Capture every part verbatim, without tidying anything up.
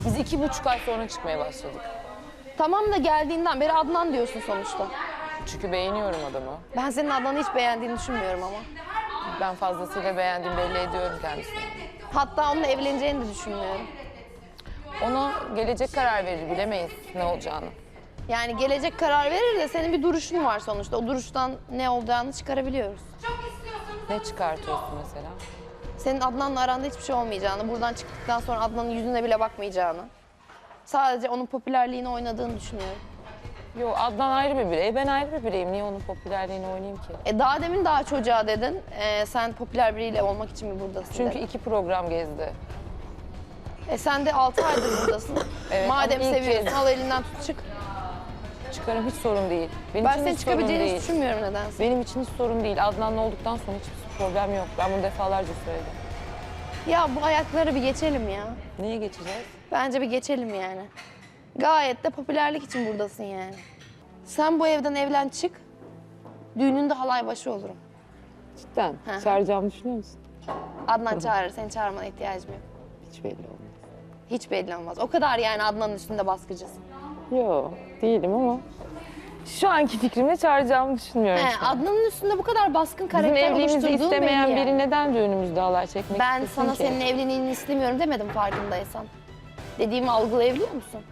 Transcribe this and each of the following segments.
Biz iki buçuk ay sonra çıkmaya başladık. Tamam da geldiğinden beri Adnan diyorsun sonuçta. Çünkü beğeniyorum adamı. Ben senin Adnan'ı hiç beğendiğini düşünmüyorum ama. Ben fazlasıyla beğendiğimi belli ediyorum kendisine. Hatta onunla evleneceğini de düşünmüyorum. Ona gelecek karar verir, bilemeyiz ne olacağını. Yani gelecek karar verir de senin bir duruşun var sonuçta. O duruştan ne olacağını çıkarabiliyoruz. Ne çıkartıyorsun mesela? Senin Adnan'la aranda hiçbir şey olmayacağını, buradan çıktıktan sonra Adnan'ın yüzüne bile bakmayacağını. Sadece onun popülerliğini oynadığını düşünüyorum. Yo, Adnan ayrı bir birey, ben ayrı bir bireyim. Niye onun popülerliğini oynayayım ki? E daha demin daha çocuğa dedin. E, sen popüler biriyle olmak için mi buradasın Çünkü dedin. iki program gezdi. E sen de altı aydır buradasın. Evet, Madem ama ilk seviyorsun kez. al elinden tut çık. Çıkarım hiç sorun değil. Benim Ben için senin hiç sorun çıkabileceğini hiç değil. düşünmüyorum nedense. Benim için hiç sorun değil. Adnan'la olduktan sonra hiçbir problem yok. Ben bunu defalarca söyledim. Ya bu ayakları bir geçelim ya. Neye geçeceğiz? Bence bir geçelim yani. Gayet de popülerlik için buradasın yani. Sen bu evden evlen çık. Düğününde halay başı olurum. Cidden. Hı hı. Çağıracağımı düşünüyor musun? Adnan çağırır, seni çağırmana ihtiyacım yok. Hiç belli olmaz. Hiç belli olmaz. O kadar yani Adnan'ın üstünde baskıcısın. Yok, değilim ama şu anki fikrimle çağıracağımı düşünmüyorum. He, şu an. Adnan'ın üstünde bu kadar baskın Bizim karakter evliliğimizi oluşturduğun istemeyen belli yani. biri neden düğünümüzde halay çekmek Ben istesin sana ki? senin evliliğini istemiyorum demedim farkındaysan. Dediğimi algılayabiliyor musun?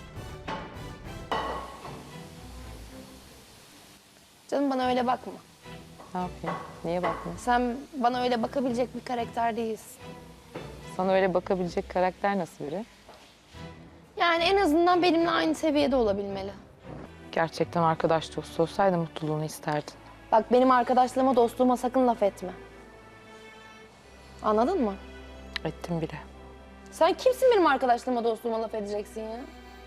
Canım bana öyle bakma. Ne yapayım? Niye bakmıyorsun? Sen bana öyle bakabilecek bir karakter değilsin. Sana öyle bakabilecek karakter nasıl biri? Yani en azından benimle aynı seviyede olabilmeli. Gerçekten arkadaş dostu olsaydı mutluluğunu isterdin. Bak benim arkadaşlığıma, dostluğuma sakın laf etme. Anladın mı? Ettim bile. Sen kimsin benim arkadaşlığıma, dostluğuma laf edeceksin ya?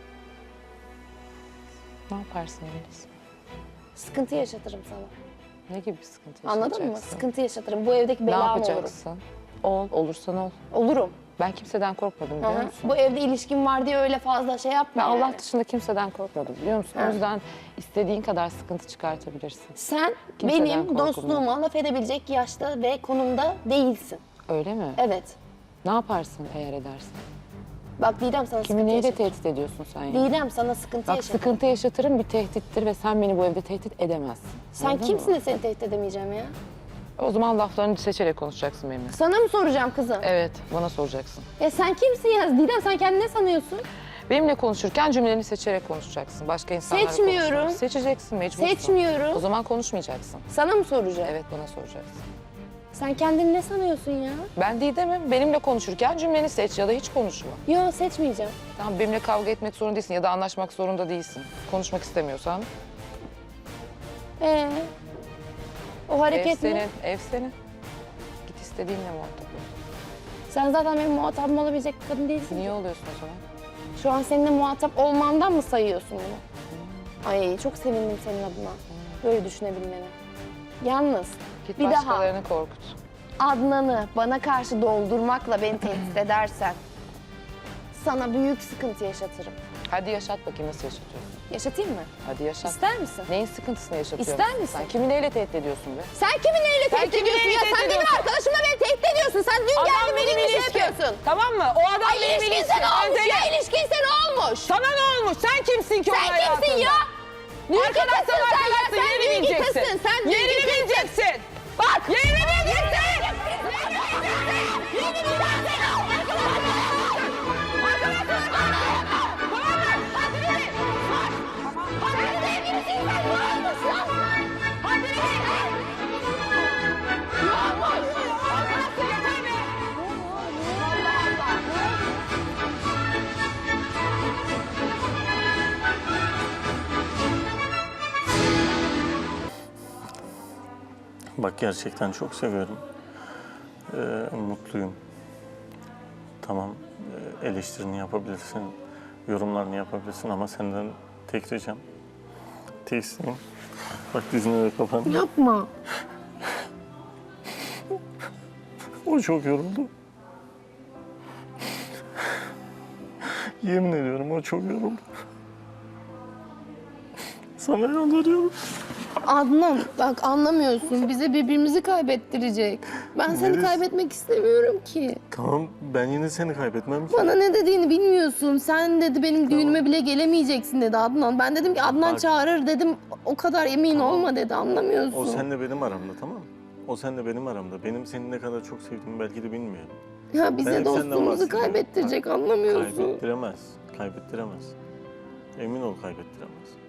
Ne yaparsın Melis? Sıkıntı yaşatırım sana. Ne gibi bir sıkıntı Anladın mı? yaşayacaksın? Sıkıntı yaşatırım. Bu evdeki Ne belam olurum. yapacaksın? Ol, olursan ol. Olurum. Ben kimseden korkmadım biliyor Hı hı. musun? Bu evde ilişkin var diye öyle fazla şey yapma Ben yani. Allah dışında kimseden korkmadım biliyor musun? Ha. O yüzden istediğin kadar sıkıntı çıkartabilirsin. Sen Kimseden benim korkulmaz. dostluğuma laf edebilecek yaşta ve konumda değilsin. Öyle mi? Evet. Ne yaparsın eğer edersin? Bak Didem sana Kimi sıkıntı neyle yaşatırım. tehdit ediyorsun sen ya? Didem sana sıkıntı Bak yaşatırım. sıkıntı yaşatırım bir tehdittir ve sen beni bu evde tehdit edemezsin. Sen Anladın kimsin mı? de seni tehdit edemeyeceğim ya? O zaman laflarını seçerek konuşacaksın benimle. Sana mı soracağım kızım? Evet, bana soracaksın. Ya sen kimsin ya? Didem sen kendini ne sanıyorsun? Benimle konuşurken cümlelerini seçerek konuşacaksın. Başka insanlarla Seçmiyorum. konuşma. Seçeceksin, mecbursun. Seçmiyorum. O zaman konuşmayacaksın. Sana mı soracağım? Evet, bana soracaksın. Sen kendini ne sanıyorsun ya? Ben Didem'im. Benimle konuşurken cümleni seç ya da hiç konuşma. Yo seçmeyeceğim. Tamam, benimle kavga etmek zorunda değilsin ya da anlaşmak zorunda değilsin. Konuşmak istemiyorsan Ee, o ev hareket senin, mi? ev senin. Git istediğinle muhatap ol. Sen zaten benim muhatabım olabilecek bir kadın değilsin. Niye oluyorsun o zaman? Şu an seninle muhatap olmandan mı sayıyorsun bunu? Ay çok sevindim senin adına. Böyle düşünebilmene. Yalnız Git bir daha başkalarını korkut. Adnan'ı bana karşı doldurmakla beni tehdit edersen sana büyük sıkıntı yaşatırım. Hadi yaşat bakayım nasıl yaşatıyorsun. Yaşatayım mı? Hadi yaşat. İster misin? Neyin sıkıntısını yaşatıyorsun? İster misin? Sen kimi neyle tehdit ediyorsun be? Sen kimi neyle tehdit kimi ediyorsun neyle ya? tehdit Sen benim ediyorsun? arkadaşımla beni tehdit ediyorsun. Sen dün geldin benim bir şey yapıyorsun. Tamam mı? O adam Ay ilişkinse ne olmuş ya? İlişkinse ne olmuş? Sana ne olmuş? Sen kimsin ki Sen onun hayatında? kimsin ya? Dünkü Arkadaşsan kızsın sen ya. arkadaşsın, Sen yerini dünkü bileceksin. kızsın. Sen dünkü Yerini kızsın. bileceksin. Bak. Yerini bileceksin. Bak gerçekten çok seviyorum. Ee, mutluyum. Tamam, e, eleştirini yapabilirsin, yorumlarını yapabilirsin ama senden tek ricam, tek isteğim. Bak dizine de kapan. Yapma. O çok yoruldu. Yemin ediyorum o çok yoruldu. Sana yalvarıyorum. Adnan bak anlamıyorsun. Bize birbirimizi kaybettirecek. Ben seni Melis. kaybetmek istemiyorum ki. Tamam, ben yine seni kaybetmem ki. Bana ne dediğini bilmiyorsun. Sen dedi benim düğünüme bile gelemeyeceksin dedi Adnan. Ben dedim ki Adnan Bak. çağırır dedim. O kadar emin Tamam. olma dedi anlamıyorsun. O seninle benim aramda, tamam mı? O seninle benim aramda. Benim seni ne kadar çok sevdiğimi belki de bilmiyor. Ya Ben bize hep senden dostluğumuzu bahsediyorum. kaybettirecek Bak, anlamıyorsun. Kaybettiremez, kaybettiremez. Emin ol kaybettiremez.